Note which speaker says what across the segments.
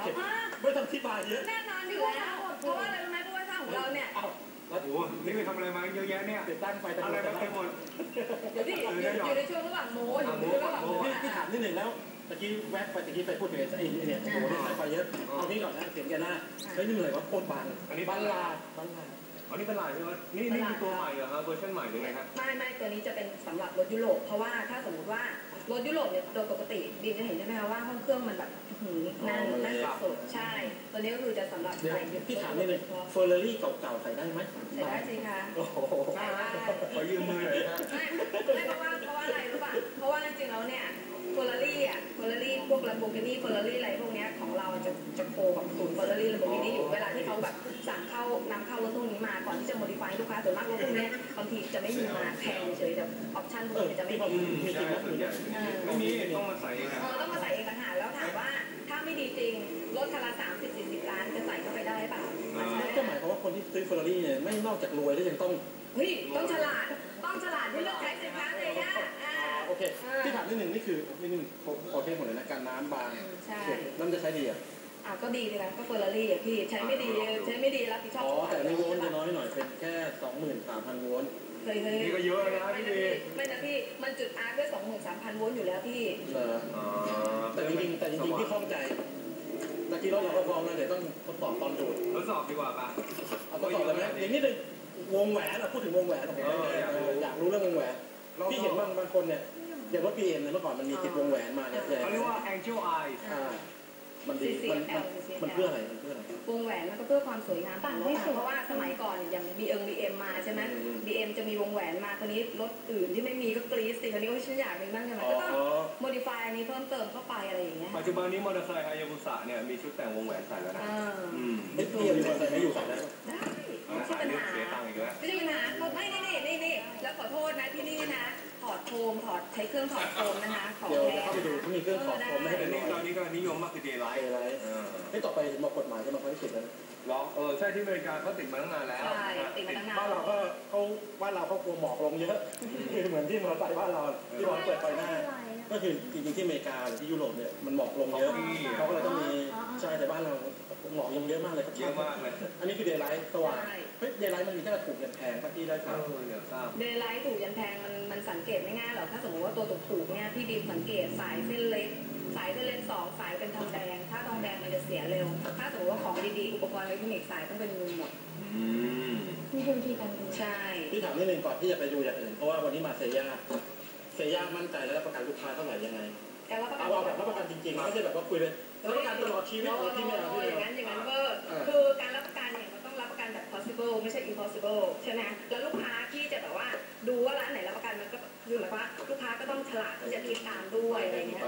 Speaker 1: ไม่ต้องอธิบายเยอะ
Speaker 2: แน่นอนอยู่แล้วเพราะว่าอะไรรู้ไหมเพราะว่าช่างของเราเนี่ย
Speaker 3: โอ้นี่ไปทำอะไรมาเยอะแยะเนี่ย
Speaker 1: ติดตั้งไฟ
Speaker 3: อะไรมาเต็มหมด
Speaker 2: เดี๋ยวที่อยู่ในช่วงระหว่างโม้
Speaker 1: ที่ถามนิดหนึ่งแล้วตะกี้แวบไปตะกี้ไปพูดถึงไอ้เนี่ยโอ้โหสายไฟเยอะเอานี้ก่อนนะเสียงแกหน้าเฮ้ยนี่เหนื่อยว่าโคตรบาง
Speaker 3: อันนี้
Speaker 1: บันลา
Speaker 3: อันนี้เป็นลายใช่ไหมนี่คือตัวใหม่เหรอครับเวอร์ชันใหม่หรือไงครับ
Speaker 2: ไม่ตัวนี้จะเป็นสำหรับรถยุโรปเพราะว่าถ้าสมมติว่ารถยุโรปเนี่ยโดยปกติดีจะเห็นใช่ไหมคะว่าห้องเครื่องมันแบบนั่นสุดใช่ตัวนี้ก็คือจะสำหรับใส่
Speaker 1: ที่ถามนี่เลยเฟอร์รารี่เก่าๆใส่ได้ไหม
Speaker 2: ใส่ได้สิคะ
Speaker 1: โอ้โห
Speaker 2: ใส่ได้
Speaker 3: ขอยืมมือหน่อยนะ
Speaker 2: ไม่เพราะว่าอะไรรู้ป่ะเพราะว่าจริงๆแล้วเนี่ยเฟอร์รารี่พวก Lamborghini เฟอร์รารี่อะไรพวกนี้ของเราจะโคกับศูนย์เฟอร์รารี่ Lamborghini อยู่เวลาที่เขาแบบสั่งนำเข้ารถพวกนี้มาก่อนที่จะโมดิฟายลูกค้าส่วนมากรถพวกนี้บางทีจะไม่มีมาแพงเฉยแต่ออปชั่นพวกนี้จะไม่มี
Speaker 3: ไม่มีต้องมาใส่เอง
Speaker 2: ต้องมาใส่เองต่างหากแล้วถามว่าถ้าไม่ดีจริงรถคันละ30-40 ล้านจะใส่เข้าไปได้เปล่า
Speaker 1: ก็หมายความว่าคนที่ซื้อเฟอร์รารี่เนี่ยไม่นอกจากรวยแล้วยังต้อง
Speaker 2: ต้องฉลาดที่เลือกใช้สินค้าเลยนะ
Speaker 1: โอเคที่ถามนิดหนึ่งนี่คือนิดหนึ่งโอเคหมดเลยนะการน้ำบาง
Speaker 2: ใช่
Speaker 1: น้ำจะใช้ดี
Speaker 2: ก็ดีเลยนะก็เฟอร์รารี่พี่ใช้ไม่ดีรับผิดชอบ
Speaker 1: แต่ในโวลต์จะน้อยหน่อยเป็นแค่ 23,000 โวลต์
Speaker 3: นี่ก็เยอะนะพี่
Speaker 2: ไม่นะพี่มันจุดอาร์ด้วย 23,000 โวลต์อยู่แล้วพี่
Speaker 1: แต่จริงๆที่ข้องใจตะกี้เราก็พร้อมแล้วเดี๋ยวต้องทดสอบตอนดูด
Speaker 3: ทดสอบดีกว่าป่ะ
Speaker 1: ทดสอบเลยไหมอย่างนี้หนึ่งวงแหวนพูดถึงวงแหวนผมอยากรู้เรื่องวงแหวนพี่เห็นบางคนเนี่ยอย่างรถ BM เนี่ยเมื่อก่อนมันมีติดวงแหวนมาเนี่ย
Speaker 3: เขาเรียกว่า Angel Eyes
Speaker 1: มันดีมันเพื่ออะไร
Speaker 2: วงแหวนมันก็เพื่อความสวยงามเพราะว่าสมัยก่อนอย่าง BM มาใช่ไหม BM จะมีวงแหวนมาคนนี้รถอื่นที่ไม่มีก็กรี๊ดสิคนนี้ก็ฉันอยากมีบ้างใช่ไหมก็ต้องโมดิฟายอันนี้เพิ่มเติมเข้าไปอะไรอย่างเงี้ย
Speaker 3: ปัจจุบันนี้มอเตอร์ไซค์ฮายาบุสะเนี่ยมีชุดแต่งวงแหวนใส่แล้วนะ
Speaker 1: ไม่ตัวมีมอเตอร์ไซค์ไม่อยู่ใส่แล้ว
Speaker 2: ได้ไม่ใช่ปัญหาไม่ใช่ปัญหาไม่นี่แล้วขอโทษนะที่นี่นะถอดโคมใช้เครื่องถอดโคมนะคะ
Speaker 1: เดี๋ยวเข้าไปดูที่มีเครื่องถอดโคมไม่ให้เป็น
Speaker 3: ตอนนี้ก็นิยมมากคือเดย์ไลท์
Speaker 1: นี่ต่อไปบอกกฎหมายจะมาเขาติดแล้ว
Speaker 3: หรอใช่ที่อเมริกาเขาติดมาตั้งนานแล้ว
Speaker 2: ใช่ติดมาตั้งนาน
Speaker 1: บ้านเราก็กลัวหมอกลงเยอะคือเหมือนที่มอเตอร์ไซค์บ้านเราที่วางเปิดไฟหน้าก็คือจริงๆที่อเมริกาหรือที่ยุโรปเนี่ยมันหมอกลงเยอะเขาก็เลยต้องมีใช่แต่บ้านเราหมอกลงเยอะมากเลย
Speaker 3: เยอะมากเลย
Speaker 1: อันนี้คือเดย์ไลท์สว่างเดย์ไลท์มันมีแค่ถูกยันแพงที่ได้ครับ
Speaker 2: เดย์ไลท์ถูกยันแพงมันสังเกตไม่ง่ายหรอกถ้าสมมติว่าตัวถูกเนี่ยพี่บีมสังเกตสายเส้นเล็ก2สายเป็นทองแดงถ้าทองแดงมันจะเสียเร็วถ้าสมมติว่าของดีๆอุปกรณ์อิเล็กทรอนิกส์สายต้องเป็นเงินหมด
Speaker 4: มีพื้นที่กัน
Speaker 2: ใช่
Speaker 1: พี่ถามนิดนึงก่อนที่จะไปดูอย่างอื่นเพราะว่าวันนี้มาเซย่ามั่นใจและรับประกันลูกค้าเท่าไหร่ยังไงเอาแบบรับประกันจริงๆไม่ใช่แบบว่าคุยเลยรับประกันตลอดชีวิตที่ไม่เอา
Speaker 2: อย่างนั้นเบอร์คือการรับประกันเนี่ยมันต้องรับประกันแบบ possible ไม่ใช่ impossible ใช่ไหมแล้วลูกค้าที่จะแบบว่าดูว่าร้านไหนรับประกันมันก็คือหมายว่าลูกค้าก็ต้องฉลาดที่จะติดตามด้วยอะไรเงี้ย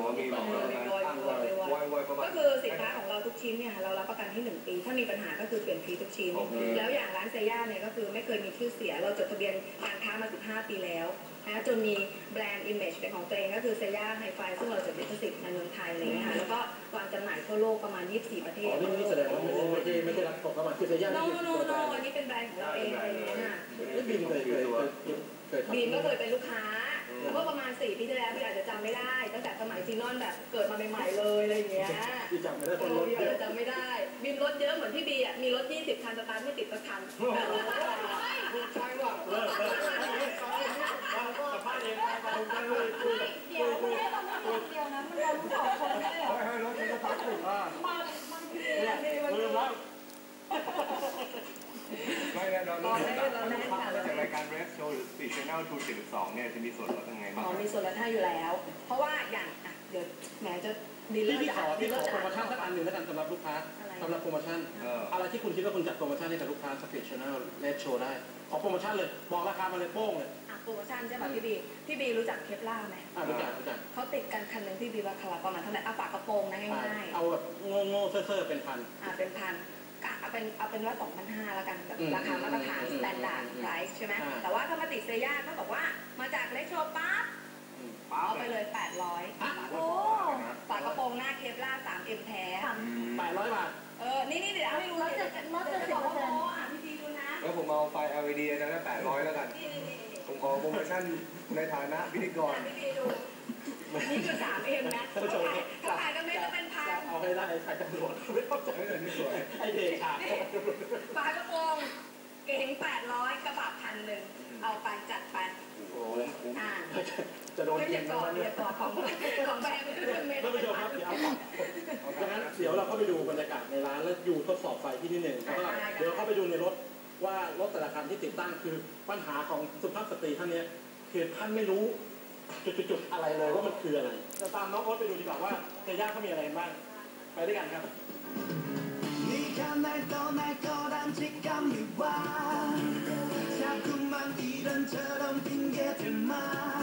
Speaker 2: ก็คือสินค้าของเราทุกชิ้นเนี่ยเรารับประกันที่1 ปีถ้ามีปัญหาก็คือเปลี่ยนฟรีทุกชิ้นแล้วอย่างร้านเซย่าเนี่ยก็คือไม่เคยมีชื่อเสียเราจดทะเบียนการค้ามา15 ปีแล้วนะจนมีแบรนด์อิมเมจเป็นของตัวเองก็คือเซย่าไฮไฟซึ่งเราจดลิขสิทธิ์ในเมืองไทยอะไรเงี้ยค่ะแล้วก็วางจำหน่ายทั่วโลกประมาณ24 ประเทศ
Speaker 1: นี่แสดงว่าไม่ได้รับตกเข้ามาคือเซย่า
Speaker 2: โนอันนี้เป็นแบรนด์ของเราเองอะไรเงี้ยน่ะ
Speaker 1: บีมเคย
Speaker 2: บีมก็เคยเป็นลูกค้าเมื่อประมาณ4 ปีที่แล้วพี่อาจจะจำไม่ได้ตั้งแต่สมัยซีนอนแบบเกิดมาใหม่ๆเลยอะไรอย่างเงี้ย
Speaker 1: พี่จำไม่ได้คนรถ
Speaker 2: เยอะจำไม่ได้บีมรถเยอะเหมือนพี่บีมีรถ20 คันสตาร์ทไม่ติดสักคัน
Speaker 1: ใช่ว่ะเลิกสัมภาษณ์เอง
Speaker 4: เดี๋ยวไม่ได้เราไม่คนเดียวนะมันเรารู้สองคนได้เหรอ
Speaker 1: ให้รถมันก็พักถูกลืมแล้ว
Speaker 3: ไม่แน่นอนเราจากรายการ Red Show หรือ Speed Channel 272เนี่ยจะมีส่วนลดยังไงบ้าง
Speaker 2: มีส่วนลดให้อยู่แล้วเพราะว่าอย่างเดี๋ยวแหมจะดีล
Speaker 1: ที่ขอโปรโมชั่นสักอันหนึ่งแล้วกันสำหรับลูกค้าสำหรับโปรโมชั่นอะไรที่คุณคิดว่าคุณจัดโปรโมชั่นให้กับลูกค้า Speed Channel Red Show ได้ขอโปรโมชั่นเลยบอกราคามาเลยโป้งเลย
Speaker 2: โปรโมชั่นใช่ป่ะพี่บีรู้จักเคปล่าไหม
Speaker 1: รู้จัก
Speaker 2: เขาติดกันคันนึงพี่บีราคาประมาณเท่าไหร่ฝากระโปรงนะง่าย
Speaker 1: ๆเอาแบบโง่ๆเซ่อๆเป็นพัน
Speaker 2: เป็นพันเอาเป็นว่า 2,500 แล้วกันแบบราคามาตรฐาน standard price ใช่ไหมแต่ว่าถ้ามาติดเซย่าเขาบอกว่ามาจากเล็กโชว์ปั๊บเอาไปเลย800โอ้ฝากระโปรงหน้าเคปล่า 3M แท้
Speaker 1: 800 บาท
Speaker 2: นี่เดี๋ยวให้ดู
Speaker 4: ลดจะ
Speaker 2: 10%พี่บีดูนะ
Speaker 3: แล้วผมเอาไฟ LED นะ800แล้วกันผมขอโปรโมชั่นในฐานะพิธีกร
Speaker 2: พี่บีดูนี่คือ 3M นะถ้าขายก็ไม่ก็เป็นพัน
Speaker 1: เอาให้ได้ใครตำรวจไม่เข้าใจไอเด็กขาด
Speaker 2: ปลากระโปรงเก๋ง800กระบะ1,000เอาไปจัดไป
Speaker 1: โอ้ยจะโดน
Speaker 2: ไม่
Speaker 1: ยิ
Speaker 2: เรีย
Speaker 1: ง
Speaker 2: กก่อนเรียกก่อนของแบรนด์เมตร
Speaker 1: ท่านผู้ชมครับเดี๋ยวดังนั้นเดี๋ยวเราเข้าไปดูบรรยากาศในร้านแล้วอยู่ทดสอบไฟที่นี่หนึ่งแล้วก็เดี๋ยวเข้าไปดูในรถว่ารถแต่ละคันที่ติดตั้งคือปัญหาของสุภาพสตรีท่านนี้คือท่านไม่รู้จุดๆอะไรเลยว่ามันคืออะไรจะตามน้องโอ๊ตไปดูดีกว่าว่าเซย่าเขามีอะไรบ้างไปด้วยกันครับ
Speaker 5: 네가날떠날거란직감이와자꾸만이런저런핑계들만